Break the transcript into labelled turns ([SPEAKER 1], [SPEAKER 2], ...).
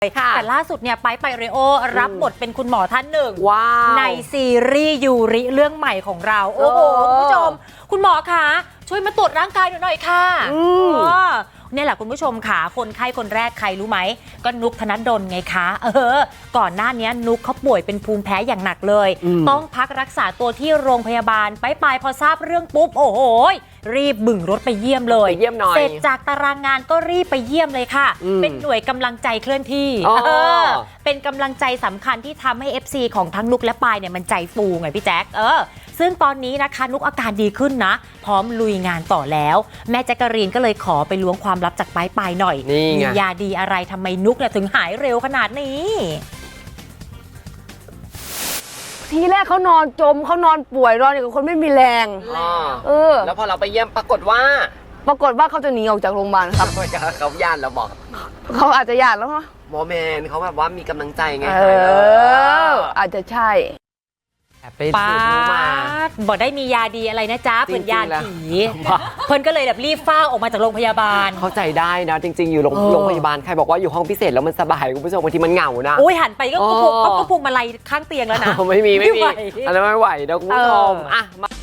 [SPEAKER 1] แต่ล่าสุดเนี่ยไปเรโอรับบทเป็นคุณหมอท่านหนึ่งในซีรีส์ยูริเรื่องใหม่ของเราโอ้โหคุณผู้ชมคุณหมอคะช่วยมาตรวจร่างกายหน่อยค่ะเนี่ยแหละคุณผู้ชมค่ะคนไข้คนแรกใครรู้ไหมก็นุกธนดลไงคะก่อนหน้านี้นุกเขาป่วยเป็นภูมิแพ้อย่างหนักเลยต้องพักรักษาตัวที่โรงพยาบาลไปพอทราบเรื่องปุ๊บโอ้โหรีบบึ่งรถไปเยี่ยมเลยเสร็จจากตารางงานก็รีบไปเยี่ยมเลยค่ะเป็นหน่วยกำลังใจเคลื่อนที่เป็นกำลังใจสำคัญที่ทำให้ FC ของทั้งนุกและปายเนี่ยมันใจฟูไงพี่แจ๊คซึ่งตอนนี้นะคะนุกอาการดีขึ้นนะพร้อมลุยงานต่อแล้วแม่แจ๊กกะรีนก็เลยขอไปล้วงความลับจากปายหน่อยมียาดีอะไรทำไมนุกเนี่ยถึงหายเร็วขนาดนี้
[SPEAKER 2] ทีแรกเขานอนจมเขานอนป่วยนอนอย่างกับคนไม่มีแรง
[SPEAKER 3] แล้วพอเราไปเยี่ยมปรากฏว่า
[SPEAKER 2] เขาจะหนีออกจากโรงพยาบาลครับ
[SPEAKER 3] เขาญาติเราบอก
[SPEAKER 2] เขาอาจจะญาติแล้วมั้ง
[SPEAKER 3] หมอแมนเขาแบบว่ามีกำลังใจไง
[SPEAKER 2] อาจจะใช่
[SPEAKER 3] ไปสืบรู้มา
[SPEAKER 1] บอกได้มียาดีอะไรนะจ๊ะเพื่อนยาผีเพื่อนก็เลยแบบรีบฟ้าออกมาจากโรงพยาบาล
[SPEAKER 3] เข้าใจได้นะจริงๆอยู่โรงพยาบาลใครบอกว่าอยู่ห้องพิเศษแล้วมันสบายคุณผู้ชมบางทีมันเหงานะ
[SPEAKER 1] โอ้ยหันไปก็พุงมาลัยข้างเตียงแล้วนะ
[SPEAKER 3] ไม่มีอันนั้นไม่ไหวนะคุณผู้ชม